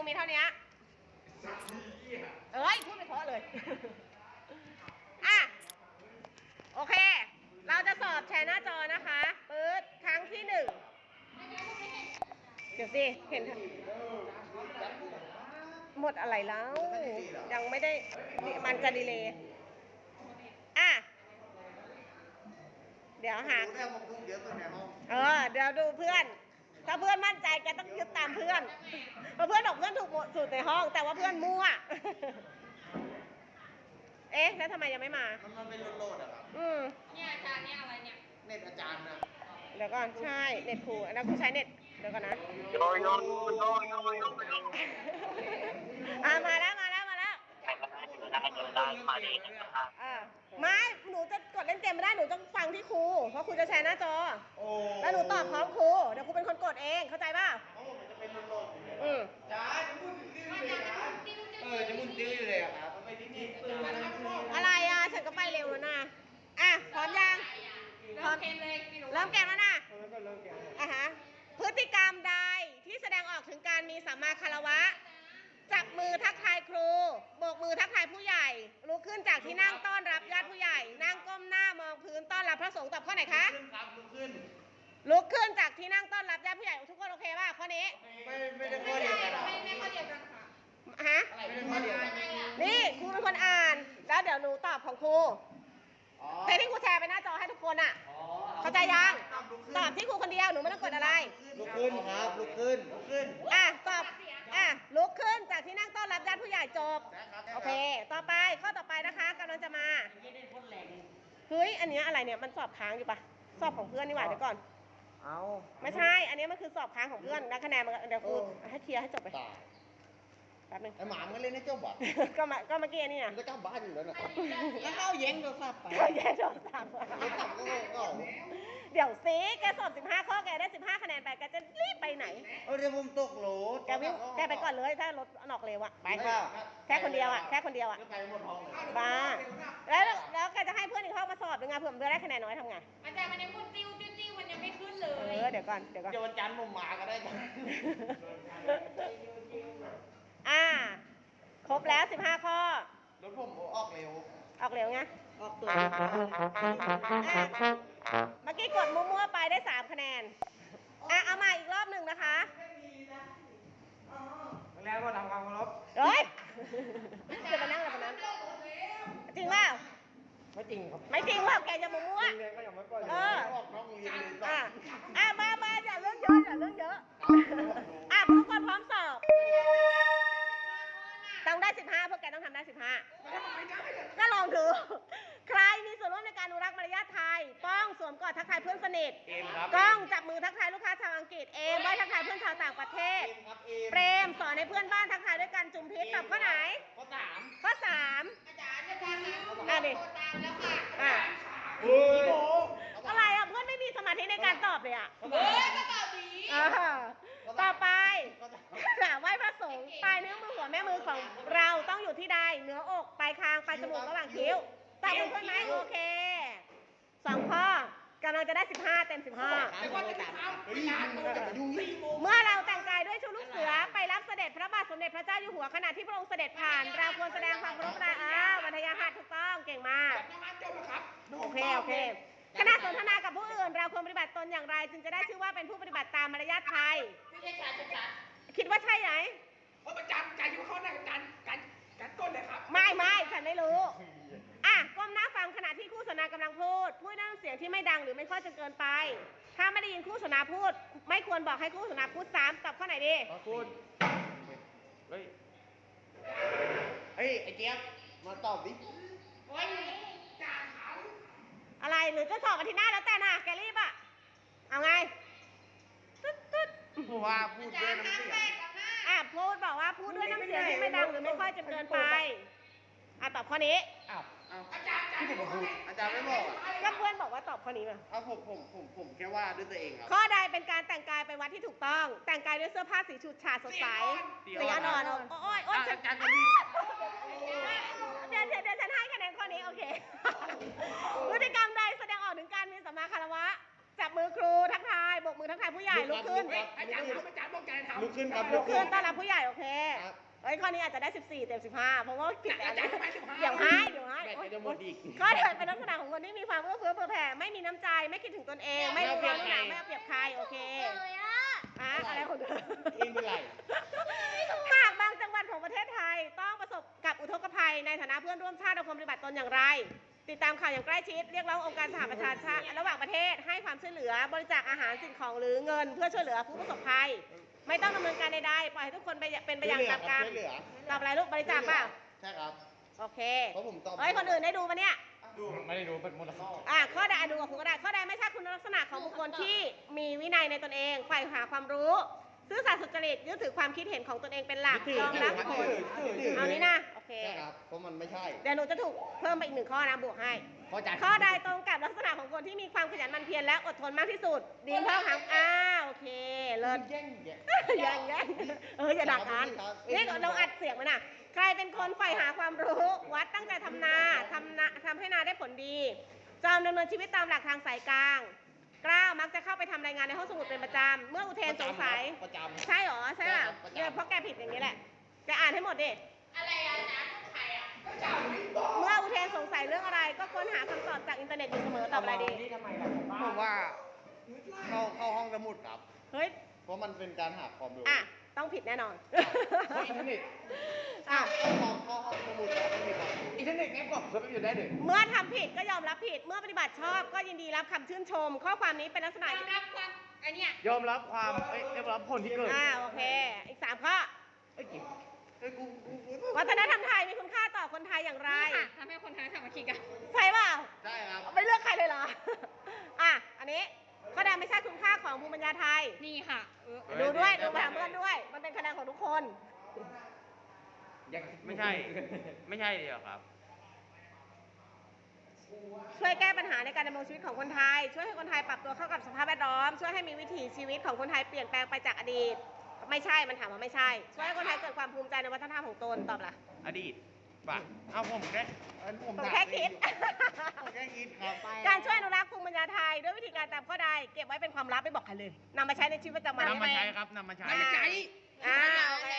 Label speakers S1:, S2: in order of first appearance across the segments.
S1: มีเท่านี้เอ้ยพูดไปเพราะเลยอ่ะโอเคเราจะสอบแชร์หน้าจอนะคะปื๊ดครั้งที่1เดี๋ยวสิเห็นหมดอะไรแล้วยังไม่ได้มันจะดีเลย์อ่ะเดี๋ยวหาเดี๋ยวดูเพื่อนถ้าเพื่อนมั่นใจแกต้องยึดตามเพื่อนเพราะเพื่อนบอกเพื่อนถูกสุดในห้องแต่ว่าเพื่อนมั่วเอ๊ะแล้วทำไมยังไม่มา
S2: มันเป็นโหลดอะครับ
S1: เนี่ยอาจารย์เนี่ยอะไรเนี่ย
S2: เน็ตอาจารย์นะ
S1: เดี๋ยวก่อนใช่เน็ตครูแล้วครูใช้เน็ตเดี๋ยวก่อนนะมาแล้วไม่หนูจะกดเล่นเกมไม่ได้หนูต้องฟังที่ครูเพราะครูจะแชร์หน้าจอแล้วหนูตอบพร้อมครูเดี๋ยวครูเป็นคนกดเองเข้าใจป่ะ
S2: มันจะเป็นโหลดจ้าจะมุนติ้วเลยนะจะมุนติ้วอยู่เลยอะครับไปที่นี่
S1: อะไรอ่ะฉันก็ไปเร็วแล้วนะอ่ะพร้อมยังพร้อมเกมเลยเริ่มเกมแล้วนะฮะพฤติกรรมใดที่แสดงออกถึงการมีสัมมาคารวะจับมือทักทายครูโบกมือทักทายผู้ใหญ่ลุกขึ้นจากที่นั่งต้อนรับญาติผู้ใหญ่นั่งก้มหน้ามองพื้นต้อนรับพระสงฆ์ตอบข้อไหนคะลุกขึ้นจากที่นั่งต้อนรับญาติผู้ใหญ่ทุกคนโอเคป่ะข้อนี้
S2: ไม่ได้ข้อเดียวกัน
S1: ไม่ข้อเดียวกันค่ะฮะนี่ครูเป็นคนอ่านแล้วเดี๋ยวหนูตอบของครูแต่ที่ครูแชร์ไปหน้าจอให้ทุกคนอ่ะเข้าใจยังตอบที่ครูคนเดียวหนูไม่ต้องกดอะไร
S2: ลุกขึ้นครับลุกขึ้น
S1: ตอบลุกขึ้นจากที่นั่งต้อนรับญาติผู้ใหญ่จบโอเคต่อไปข้อต่อไปนะคะกำลังจะมาเฮ้ยอันนี้อะไรเนี่ยมันสอบค้างอยู่ปะสอบของเพื่อนนี่หว่าเดี๋ยวก่อนไม่ใช่อันนี้มันคือสอบค้างของเพื่อนนะคะแนนเดี๋ยวครูให้เคลียร์ให้จบไปแป๊บนึง
S2: ไอ้หมามันเล่นให้เจ้าบ่
S1: ก็เมื่อกี้นี่นะ
S2: มันก็กลับบ้านอยู่แล้วนะแล้วเข้าแย่งโทรศัพท์ไป
S1: แย่งโทรศัพท์เดี๋ยวซิแกสอบ15ข้อแกได้15คะแนนไปแกจะรีบไปไหน
S2: เดี๋ยวผมตกรถ
S1: แกไปก่อนเลยถ้ารถนอกเร็วอะไปแค่คนเดียวอะ
S2: ไปหมดห้องเลย
S1: บ้าแล้วแกจะให้เพื่อนอีกห้องมาสอบยังไงเพื่อนได้คะแนนน้อยทำไง
S3: อาจารย์มันยังพูดติ้วมันยังไม่ขึ้นเลย
S1: เดี๋ยวก่อน
S2: เดี๋ยววันจันทร์ผมมาก็ได้กัน
S1: ครบแล้ว15ข้อ
S2: รถผมออกเร็ว
S1: ไง
S2: ออกตัว
S1: เมื่อกี้กดมั่วๆไปได้3คะแนนเอามาอีกรอบหนึ่งนะคะ
S2: แล้วก็ทำความเคารพ
S1: เฮ้ยจะไปนั่งอะไรนั้นจริงเปล่า
S2: ไม่จริงครับ
S1: ไม่จริงว่าแกจะมั่ว
S2: เรียนก็ยังไม่ปล่อยออกน้องเรียน
S1: เลยมาอย่าเรื่องเยอะทุกคนพร้อมสอบต้องได้15พวกแกต้องทำได้15ก็ลองดูใครมีส่วนร่วมในการอนุรักษ์มารยาทไทยป้องสวมกอดทักทายเพื่อนสนิทก้องจับมือทักทายลูกค้าชาวอังกฤษไหว้ทักทายเพื่อนชาวต่างประเทศเปรมสอนให้เพื่อนบ้านทักทายด้วยกันจุ่มพิษตอบข้อไหนข้อ3
S3: อาจารย์ดิ
S1: อะไรเพื่อนไม่มีสมาธิในการตอบเลย
S3: ก็ตอบดี
S1: ต่อไปไหว้พระสงฆ์ปลายนิ้วมือหัวแม่มือของเราต้องอยู่ที่ใดเหนืออกปลายคางปลายจมูกระหว่างคิ้วตอบเป็นเพื่อนไหมโอเค2ข้อกำลังจะได้15เต็ม15เมื่อเราแต่งกายด้วยชุดลูกเสือไปรับเสด็จพระบาทสมเด็จพระเจ้าอยู่หัวขณะที่พระองค์เสด็จผ่านเราควรแสดงความเคารพวันทยาหัตถูกต้องเก่งมากโอเคขณะสนทนากับผู้อื่นเราควรปฏิบัติตนอย่างไรจึงจะได้ชื่อว่าเป็นผู้ปฏิบัติตามมารยาทไทยคิดว่าใช่ไหม
S3: อาจารย์อยู่ข้อหน้าการก้นเลยครับ
S1: ไม่ฉันไม่รู้ก้มหน้าฟังขณะที่คู่สนทนากำลังพูดด้วยน้ำเสียงที่ไม่ดังหรือไม่ค่อยจนเกินไปถ้าไม่ได้ยินคู่สนทนาพูดไม่ควรบอกให้คู่สนทนาพูดซ้ำตอบข้อไหนดี
S2: พูดเฮ้ยไอ้เจี๊ยบมาตอบดิ
S1: อะไรหรือจะสอบอาทิตย์หน้าแล้วแต่นะแกรีบเอาไง
S2: ว่าพูดด้วยน้ำเสียง
S1: พูดบอกว่าพูดด้วยน้ำเสียงที่ไม่ดังหรือไม่ค่อยจนเกินไปตอบข้อนี้
S2: อาจารย์ที่ผมพูดอาจารย์ไม่บอก
S1: ก็เพื่อนบอกว่าตอบข้อนี้มา
S2: ผมแค่ว่าด้วยตัวเองครับ
S1: ข้อใดเป็นการแต่งกายไปวัดที่ถูกต้องแต่งกายด้วยเสื้อผ้าสีฉูดฉาดสดใสสีอ่อนโอ้ย
S2: อาจารย์จะมี
S1: เดี๋ยวฉันให้คะแนนข้อนี้โอเคพฤติกรรมใดแสดงออกถึงการมีสัมมาคารวะจับมือครูทักทายโบกมือทักทายผู้ใหญ่ลุกขึ้น
S3: อาจารย์บอกใจการทำ
S2: ลุกขึ้นครับ
S1: ลุกขึ้นต้อนรับผู้ใหญ่โอเค
S2: ครับ
S1: เอ้ยข้อนี้อาจจะได้ 14 เต็ม 15 เพราะว่าผิดแล้วนะ
S3: อาจารย์ให้15
S1: เดี๋ยวให้
S2: แบตจะหมดอีก
S1: ก็เถิดเป็นลักษณะของคนที่มีความเอื้อเฟื้อเผื่อแผ่ไม่มีน้ำใจไม่คิดถึงตนเอง ไม่รู้ร้อนรู้หนาวไม่เอาเปรียบใครโอเคอะไรของเธอ
S2: เองเป็นไร
S1: หากบางจังหวัดของประเทศไทยต้องประสบกับอุทกภัยในฐานะเพื่อนร่วมชาติเราควรปฏิบัติตนอย่างไร ติดตามข่าวอย่างใกล้ชิดเรียกร้ององค์การสหประชาชาติระหว่างประเทศให้ความช่วยเหลือบริจาคอาหารสิ่งของหรือเงิน เพื่อช่วยเหลือผู้ประสบภัย ไม่ต้องดำเนินการใดๆปล่อยให้ทุกคนเป็นไปอย่างตามกรรม
S2: ช่วยเหลือ
S1: ตอบอะไรลูกบริจาคเปล่า
S2: ใช่ครับ
S1: โอเค
S2: เพราะผมตอบ
S1: เฮ้ยคนอื่นได้ดูปะเนี่ย
S2: ไม่ได้ดูเป็นมูลค่า
S1: ข้อใดดูกับคุณก็ได้ข้อใดไม่ใช่คุณลักษณะของบุคคลที่มีวินัยในตนเองใฝ่หาความรู้ซื่อสัตย์สุจริตยึดถือความคิดเห็นของตนเองเป็นหลักยอมรับผลเอานี้นะโอเค
S2: ใช่ครับ เพราะมันไม่ใช่
S1: เดี๋ยวหนูจะถูกเพิ่มไปอีก1 ข้อนะบวกให้ ข้อใดตรงกับลักษณะของคนที่มีความขยันหมั่นเพียรและอดทนมากที่สุด ดีนเพิ่มหางโอเคเลิศ
S2: แย่ง
S1: แย่งอย่าดักกันนี่เราอัดเสียงมันน่ะ ใครเป็นคนใฝ่หาความรู้ วัดตั้งใจทำนาทำให้นาได้ผลดีจอมดำเนินชีวิตตามหลักทางสายกลางกล้ามักจะเข้าไปทำรายงานในห้องสมุดเป็นประจำเมื่ออุเทนสงสัย
S2: ประจำ
S1: ใช่เหรอใช่ป่ะ
S2: ประจำ
S1: เนี่ยเพราะแกผิดอย่างนี้แหละแกอ่านให้หมดดิ
S3: อะไรอาจารย์ใครอ่ะ
S1: เมื่ออุเทนสงสัยเรื่องอะไร ก็ค้นหาคำตอบจากอินเทอร์เน็ตอยู่เสมอตอบอะไรดี
S2: ผมว่าเข้าห้องสมุดครับ
S1: เฮ้ย
S2: เพราะมันเป็นการหาความรู้
S1: ต้องผิดแน่นอน
S2: เพราะอินเทอร์เน็ต
S1: อ่ะ
S2: เข้าห้องสมุดแล้วมันมีความรู้อินเทอร์เน็ตแง่บอกเขาไม่อยู่ได้เลย
S1: เมื่อทำผิดก็ยอมรับผิด เมื่อปฏิบัติชอบก็ยินดีรับคำชื่นชม ข้อความนี้เป็นลักษณะ
S3: รับความอันเนี้ย
S2: ยอมรับความยอมรับผลที่เกิด
S1: โอเค อีก 3 ข้อ
S2: ไอ้กิ๊กไอ้กู
S1: วัฒนธรรมไทยมีคุณค่าต่อคนไทยอย่างไร
S3: ค่ะทำให้คนไทยสามัคคีกัน
S1: ใช่เปล่า
S2: ใช่ครับ
S1: ไม่เลือกใครเลยเหรอ อันนี้ข้อใดไม่ใช่คุณค่าของภูมิปัญญาไทย
S3: นี่ค่ะ
S1: ดูด้วย ดูไปถามเพื่อนด้วย มันเป็นคะแนนของทุกคน
S4: ไม่ใช่ ไม่ใช่เลยเหรอครับ
S1: ช่วยแก้ปัญหาในการดำรงชีวิตของคนไทย ช่วยให้คนไทยปรับตัวเข้ากับสภาพแวดล้อม ช่วยให้มีวิถีชีวิตของคนไทยเปลี่ยนแปลงไปจากอดีต ไม่ใช่ มันถามว่าไม่ใช่ ช่วยให้คนไทยเกิดความภูมิใจในวัฒนธรรมของตน ตอบล่ะ
S4: อดีตป่ะเอาผมแค่
S1: ผมแค่คิด
S2: ผมแค่คิดครับ
S1: การช่วยอนุรักษ์ภูมิปัญญาไทยด้วยวิธีการตามข้อใด เก็บไว้เป็นความลับไม่บอกใครเลยนำมาใช้ในชีวิตประจำวัน
S4: นำมาใช้ครับนำมาใช้
S1: อ่าโอเค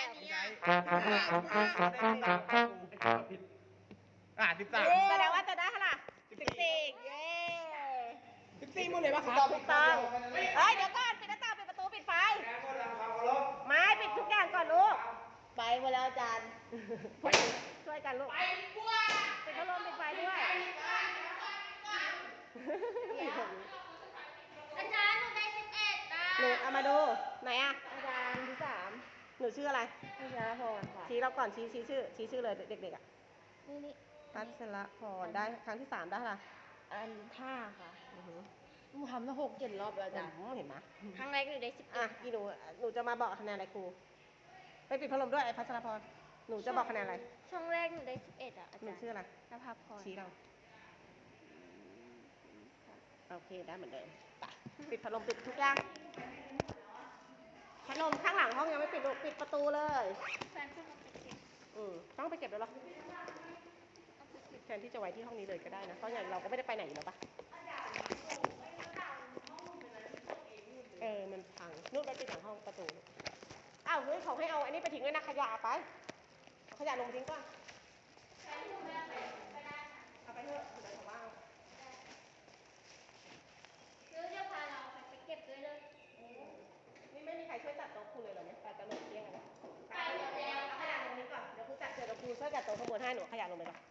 S4: 13
S1: แสดงว่าจะได้เท่าไหร่14เย้
S3: 14หมดเลยปะครับ
S1: ถูกต้องเฮ้ย เดี๋ยวก่อน ปิดหน้าต่างปิดประตู ปิดไฟ ไม่ปิดทุกอย่างก่อนลูก ไปหมดแล้วอาจารย์ช่วยกันลูก ปิดพัดลมปิดไฟด้วย
S5: อาจารย์หนูได้11นะ
S1: หนูเอามาดู ไหนอะอาจารย์ที่3หนูชื่ออะไรพัชรพรค่ะ ชี้เราก่อนชี้ชื่อเลยเด็กๆอะ
S5: นี่
S1: พัชรพรได้ครั้งที่ 3ได้เท่าไหร่
S5: อัน5ค่ะ
S1: อือหือ
S5: หนูทำตั้ง6-7 รอบแล้วอาจารย์
S1: เห็นไหม
S5: ครั้งแรกหนูได้11
S1: อีหนูจะมาบอกคะแนนอะไรครู ไปปิดพัดลมด้วยไอ้พัชรพร หนูจะบอกคะแนนอะไร
S5: ช่องแรกหนูได้11อ่ะอา
S1: หนู
S5: จารย์
S1: ชื่ออะไร
S5: นภาพร
S1: ชี้เรา โอเค ได้เหมือนเดิมไปปิดพัดลมปิดทุกอย่างพัดลมข้างหลังห้องยังไม่ปิดลูกปิดประตูเลย
S5: แฟนขึ้นมาเป็น10
S1: ต้องไปเก็บแล้วหรอแทนที่จะไว้ที่ห้องนี้เลยก็ได้นะ เพราะอย่างเราก็ไม่ได้ไปไหนอยู่แล้วปะมันพังนู่นไปปิดหลังห้องประตูอ้าวเฮ้ยเขาให้เอาอันนี้ไปทิ้งด้วยนะขยะไปเอาขยะลงทิ้งก่อนเอาไปเถอะเดี๋ยวเขาว่า
S5: ซื้อเสื้อผ้าเราไปเก็บด้วยเลย
S1: นี่ไม่มีใครช่วยจัดโต๊ะครูเลยเหรอเนี่ยไปตลกเที่ยงกันนะ
S5: ไปหมดแล้ว
S1: เอาขยะลงนี้ก่อน เดี๋ยวครูจัดเดี๋ยวครูช่วยจัดโต๊ะขบวนให้หนูเอาขยะลงไปก่อน